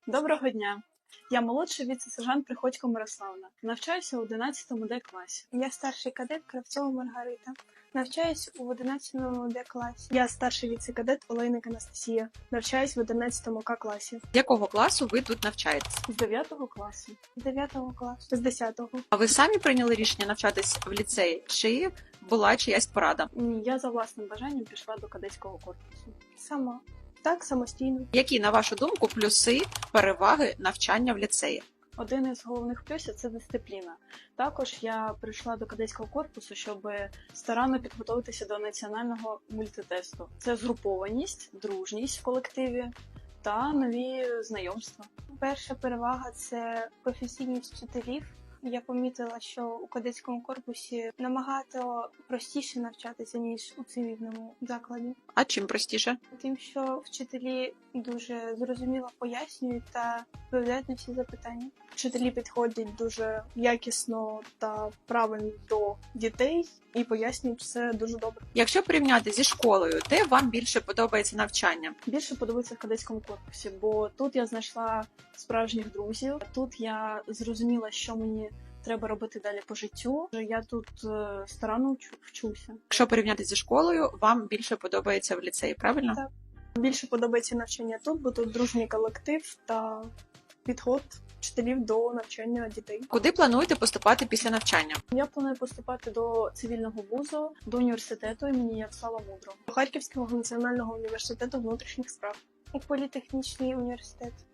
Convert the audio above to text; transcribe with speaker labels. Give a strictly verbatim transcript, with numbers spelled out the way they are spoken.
Speaker 1: Доброго дня! Я молодший віце-сержант Приходько Мирославна. Навчаюся у одинадцятому Д класі.
Speaker 2: Я старший кадет Кравцова Маргарита. Навчаюсь у одинадцятому Д класі.
Speaker 1: Я старший віце-кадет Олейник Анастасія. Навчаюсь в одинадцятому К класі.
Speaker 3: З якого класу ви тут навчаєтесь?
Speaker 1: З дев'ятого класу.
Speaker 2: З дев'ятого класу.
Speaker 1: З десятого.
Speaker 3: А ви самі прийняли рішення навчатись в ліцеї? Чи була чиясь порада?
Speaker 1: Ні, я за власним бажанням пішла до кадетського корпусу.
Speaker 2: Сама. Так, самостійно.
Speaker 3: Які, на вашу думку, плюси, переваги навчання в ліцеї?
Speaker 1: Один із головних плюсів – це дисципліна. Також я прийшла до кадетського корпусу, щоб старанно підготуватися до національного мультитесту. Це згрупованість, дружність в колективі та нові знайомства.
Speaker 2: Перша перевага – це професійність вчителів. Я помітила, що у кадетському корпусі набагато простіше навчатися, ніж у цивільному закладі.
Speaker 3: А чим простіше?
Speaker 2: Тим, що вчителі дуже зрозуміло пояснюють та відповідають на всі запитання.
Speaker 1: Вчителі підходять дуже якісно та правильно до дітей і пояснюють все дуже добре.
Speaker 3: Якщо порівняти зі школою, де вам більше подобається навчання?
Speaker 1: Більше подобається в кадетському корпусі, бо тут я знайшла справжніх друзів, тут я зрозуміла, що мені треба робити далі по життю. Я тут е, старанно вчу- вчуся.
Speaker 3: Якщо порівняти зі школою, вам більше подобається в ліцеї, правильно?
Speaker 2: Так.
Speaker 1: Більше подобається навчання тут, бо тут дружній колектив та підход вчителів до навчання дітей.
Speaker 3: Куди плануєте поступати після навчання?
Speaker 1: Я планую поступати до цивільного вузу, до університету імені Ярослава Мудрого, до Харківського національного університету внутрішніх справ.
Speaker 2: У політехнічний університет.